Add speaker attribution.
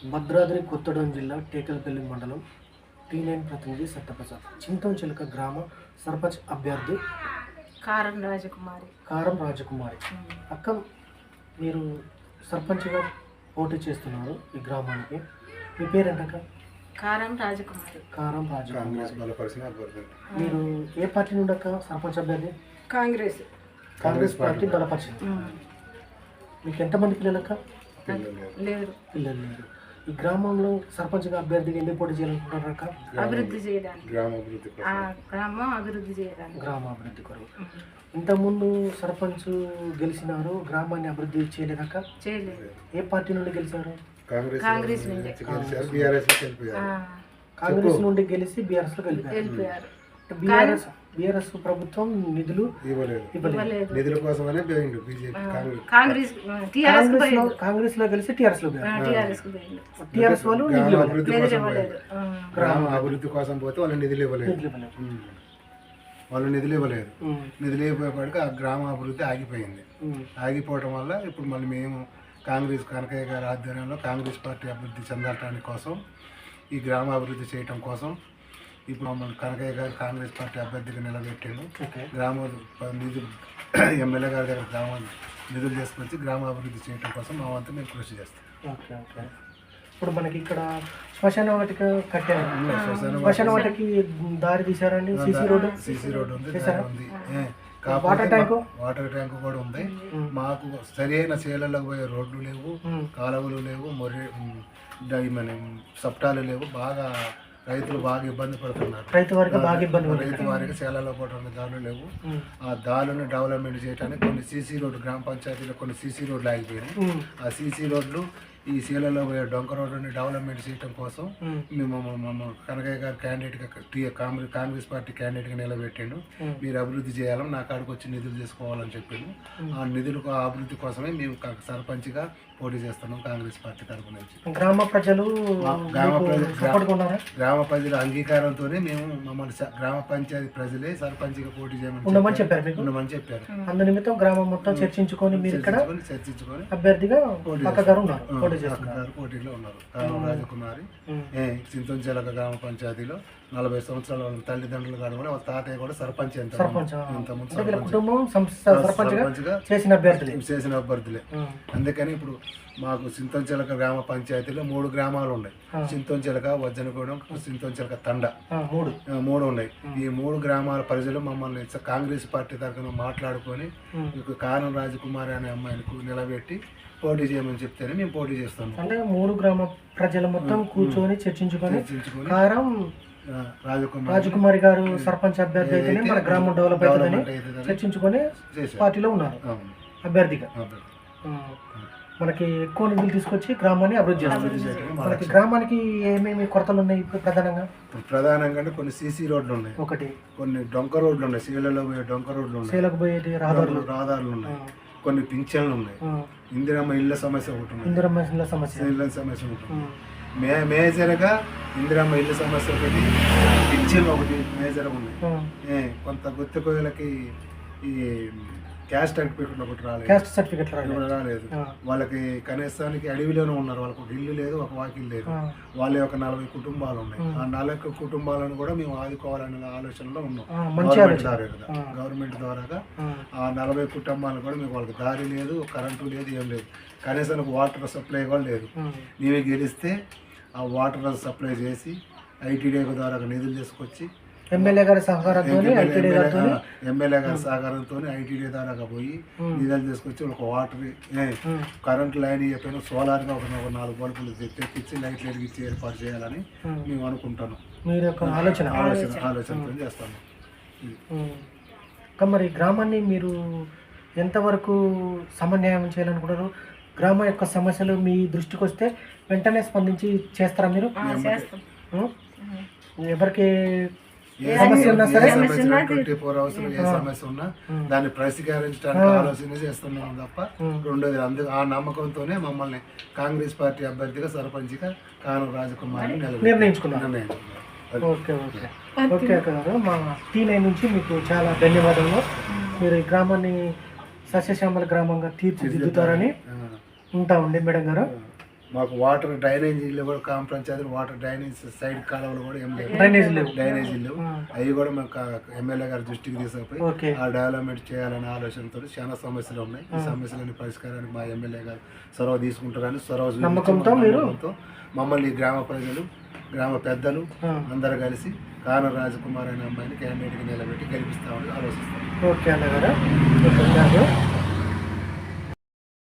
Speaker 1: భద్రాద్రి కొత్తగూడెం జిల్లా టేకలపల్లి మండలం T9 ప్రతినిధి సత్యప్రసాద్. చింతంచిలక గ్రామ సర్పంచ్ అభ్యర్థి
Speaker 2: కారం రాజకుమారి.
Speaker 1: అక్క, మీరు సర్పంచ్గా పోటీ చేస్తున్నారు ఈ గ్రామానికి. మీ పేరేంటక్క?
Speaker 2: కారం రాజకుమారి.
Speaker 1: మీరు ఏ పార్టీ నుండి అక్క సర్పంచ్ అభ్యర్థి?
Speaker 2: కాంగ్రెస్
Speaker 1: పార్టీ బలపరిచింది. మీకు ఎంతమంది పిల్లలక్క?
Speaker 2: లేదు.
Speaker 1: పిల్లలు లేరు. ఈ గ్రామంలో సర్పంచ్గా అభ్యర్థిగా ఎందుకు పోటీ చేయాలనుకుంటున్నారు అక్క?
Speaker 2: అభివృద్ధి చేయడానికి, గ్రామం
Speaker 1: అభివృద్ధి కొరకు. ఇంతకుముందు సర్పంచ్ గెలిచినారు, గ్రామాన్ని అభివృద్ధి చేయలేదక్క?
Speaker 2: చేయలేదు.
Speaker 1: ఏ పార్టీ నుండి గెలిచారు?
Speaker 2: కాంగ్రెస్ నుండి.
Speaker 1: కాంగ్రెస్ నుండి గెలిచి బీఆర్ఎస్ లో
Speaker 2: వెళ్ళిపోయారు.
Speaker 1: బీఆర్ఎస్ ప్రభుత్వం నిధులు
Speaker 2: ఇవ్వలేదు.
Speaker 3: నిధుల కోసమనే
Speaker 1: కాంగ్రెస్ లో గెలిచి టీఆర్ఎస్ లో టీఆర్ఎస్ వాళ్ళు
Speaker 3: గ్రామ అభివృద్ధి కోసం పోతే వాళ్ళు నిధులు ఇవ్వలేదు. నిధులు ఇవ్వకపోయాక ఆ గ్రామ అభివృద్ధి ఆగిపోయింది. ఆగిపోవడం వల్ల ఇప్పుడు మళ్ళీ మేము కనకయ్య గారి ఆధ్వర్యంలో కాంగ్రెస్ పార్టీ అభివృద్ధి చెందటానికి కోసం, ఈ గ్రామ అభివృద్ధి చేయటం కోసం ఇప్పుడు మమ్మల్ని కనకయ్య గారు కాంగ్రెస్ పార్టీ అభ్యర్థిగా నిలబెట్టాను. గ్రామ నిధులు ఎమ్మెల్యే గారి దగ్గర నిధులు తీసుకొచ్చి గ్రామ అభివృద్ధి చేయడం కోసం మా వంతు మేము కృషి చేస్తాం.
Speaker 1: ఇప్పుడు మనకి ఇక్కడ శ్మశాన వాటిక కట్టారు. శ్మశాన వాటికి దారి తీసారండి. సీసీ రోడ్డు ఉంది. వాటర్
Speaker 3: ట్యాంక్ కూడా ఉంది. మాకు సరైన చేలలకు పోయే రోడ్లు లేవు, కాలువలు లేవు, మన సప్టాలు లేవు. బాగా రైతులు బాగా ఇబ్బంది పడుతున్నారు. రైతు వారికి చేలలో పోవడానికి దారులు లేవు. ఆ దారులను డెవలప్మెంట్ చేయడానికి కొన్ని సీసీ రోడ్లు, గ్రామ పంచాయతీలో కొన్ని సీసీ రోడ్లు ఆగిపోయినాయి. ఆ సీసీ రోడ్లు ఈ సీలలో పోయే డొంక రోడ్లని డెవలప్మెంట్ చేయడం కోసం మేము కనకయ్య గారు క్యాండిడేట్గా కాంగ్రెస్ పార్టీ క్యాండిడేట్గా నిలబెట్టాడు. మీరు అభివృద్ధి చేయాలని నా కాడికి వచ్చి నిధులు తీసుకోవాలని చెప్పాను. ఆ నిధులకు అభివృద్ధి కోసమే మేము సర్పంచ్గా పోటీ చేస్తున్నాం కాంగ్రెస్ పార్టీ తరఫు నుంచి.
Speaker 1: గ్రామ
Speaker 3: ప్రజల అంగీకారంతోనే మేము మమ్మల్ని గ్రామ పంచాయతీ ప్రజలే సర్పంచ్గా పోటీ చేయమని చెప్పారు.
Speaker 1: అందునిమిత్తం గ్రామం మొత్తం చర్చించుకొని మీరు ఇక్కడ అభ్యర్థిగా
Speaker 3: పోటీలో ఉన్నారు. కారం రాజకుమారి చింతంచెలక గ్రామ పంచాయతీలో 40 సంవత్సరాల తల్లిదండ్రులు కాదు, వాళ్ళ తాతయ్య కూడా సర్పంచ్. చేసిన అభ్యర్థులే. అందుకని ఇప్పుడు మాకు చింతంచెలక గ్రామ పంచాయతీలో 3 గ్రామాలు ఉన్నాయి. చింతంచెలక, వజ్జనగూడెం, చింతంచెలక తండ, 3 ఉన్నాయి. ఈ 3 గ్రామాల ప్రజలు మమ్మల్ని కాంగ్రెస్ పార్టీ తరఫున మాట్లాడుకొని కారం రాజకుమారి అనే అమ్మాయిని నిలబెట్టి పోటీ చేయమని చెప్తేనే మేము పోటీ చేస్తాము.
Speaker 1: అంటే 3 గ్రామ ప్రజలు మొత్తం కూర్చొని చర్చించుకొని కారం రాజకుమారి గారు సర్పంచ్ అభ్యర్థి అయితేనే మన గ్రామం డెవలప్ అవుతుందని చర్చించుకొని పార్టీలో ఉన్నారు అభ్యర్థిగా. మనకి ఎక్కువ నిధులు తీసుకొచ్చి గ్రామాన్ని అభివృద్ధి చేస్తారు. మనకి గ్రామానికి ఏమేమి కొరతలు ఉన్నాయి ఇప్పుడు
Speaker 3: ప్రధానంగా కొన్ని సీసీ రోడ్లు ఉన్నాయి, కొన్ని డొంక రోడ్లు ఉన్నాయి, సీలలో పోయే డొంక రోడ్లు ఉన్నాయి,
Speaker 1: సీలకు పోయేది
Speaker 3: రహదారులు ఉన్నాయి, కొన్ని పింఛన్లు ఉన్నాయి, ఇందిరమ్మ ఇళ్ళ సమస్య ఒకటి ఉంది, ఇళ్ళ సమస్య ఉంటుంది. మేజర్గా ఇందిరమ్మ ఇళ్ళ సమస్య ఒకటి, పింఛన్లు ఒకటి మేజర్గా ఉన్నాయి. కొంత గుత్తి కోయలకి ఈ క్యాస్ట్ సర్టిఫికెట్ రాలేదు. వాళ్ళకి కనీసానికి అడవిలోనే ఉన్నారు. వాళ్ళకి ఒక ఇల్లు లేదు, ఒక వాకిల్ లేదు. వాళ్ళ యొక్క 40 కుటుంబాలు ఉన్నాయి. ఆ 40 కుటుంబాలను కూడా మేము ఆదుకోవాలనే ఆలోచనలో ఉన్నాం. గవర్నమెంట్ ద్వారా ఆ 40 కుటుంబాలను కూడా మీకు వాళ్ళకి దారి లేదు, కరెంటు లేదు, ఏం లేదు. కనీసానికి వాటర్ సప్లై కూడా లేదు. మేమే గెలిస్తే ఆ వాటర్ సప్లై చేసి ఐటీడీ ద్వారా నిధులు తీసుకొచ్చి
Speaker 1: ఎమ్మెల్యే గారి సహకారంతో
Speaker 3: ఐటీడీ ద్వారా పోయి నిధులు తీసుకొచ్చి ఒక వాటర్ కరెంట్ లైన్ చెప్పిన సోలార్గా ఒక 4 బల్బులు తెప్పించి లైట్లు వెలిగించి ఏర్పాటు చేయాలని మేము అనుకుంటాను.
Speaker 1: మీరు యొక్క
Speaker 3: ఆలోచనతో చేస్తాము.
Speaker 1: మరి గ్రామాన్ని మీరు ఎంతవరకు సమన్వయం చేయాలనుకుంటారు? గ్రామం యొక్క సమస్యలు మీ దృష్టికి వస్తే వెంటనే స్పందించి చేస్తారా మీరు? ఎవరికి
Speaker 3: సమస్య ఉన్నా సరే 24 hours ఏ సమస్య ఉన్నా దాన్ని పరిష్కరించడానికి ఆలోచన చేస్తున్నాం తప్ప రెండోది ఆ నమ్మకంతోనే మమ్మల్ని కాంగ్రెస్ పార్టీ అభ్యర్థిగా సర్పంచ్గా కారం రాజకుమారి
Speaker 1: నిర్ణయించుకున్నాను. ఓకే గారు, మా T9 నుంచి మీకు చాలా ధన్యవాదాలు. మీరు ఈ గ్రామాన్ని సస్యశ్యామల గ్రామంగా తీర్చిదిద్దుతారని ఉంటామండి మేడం గారు.
Speaker 3: మాకు వాటర్ డ్రైనేజీలు కూడా గ్రామ పంచాయతీలు వాటర్ డ్రైనేజ్ సైడ్ కాలువలు కూడా ఏం లేవు, డ్రైనేజీలు లేవు. అవి కూడా మాకు ఎమ్మెల్యే గారి దృష్టికి తీసుకుపోయి ఆ డెవలప్మెంట్ చేయాలనే ఆలోచనతో చాలా సమస్యలు ఉన్నాయి. ఈ సమస్యలని పరిష్కారానికి మా ఎమ్మెల్యే గారు చొరవ తీసుకుంటారని
Speaker 1: నమ్మకంతో
Speaker 3: మమ్మల్ని గ్రామ ప్రజలు గ్రామ పెద్దలు అందరూ కలిసి కానూరు రాజకుమార్ అనే అమ్మాయిని క్యాండిడేట్గా నిలబెట్టి గెలిపిస్తామని ఆలోచిస్తాం.
Speaker 1: ఓకే అన్నగారు.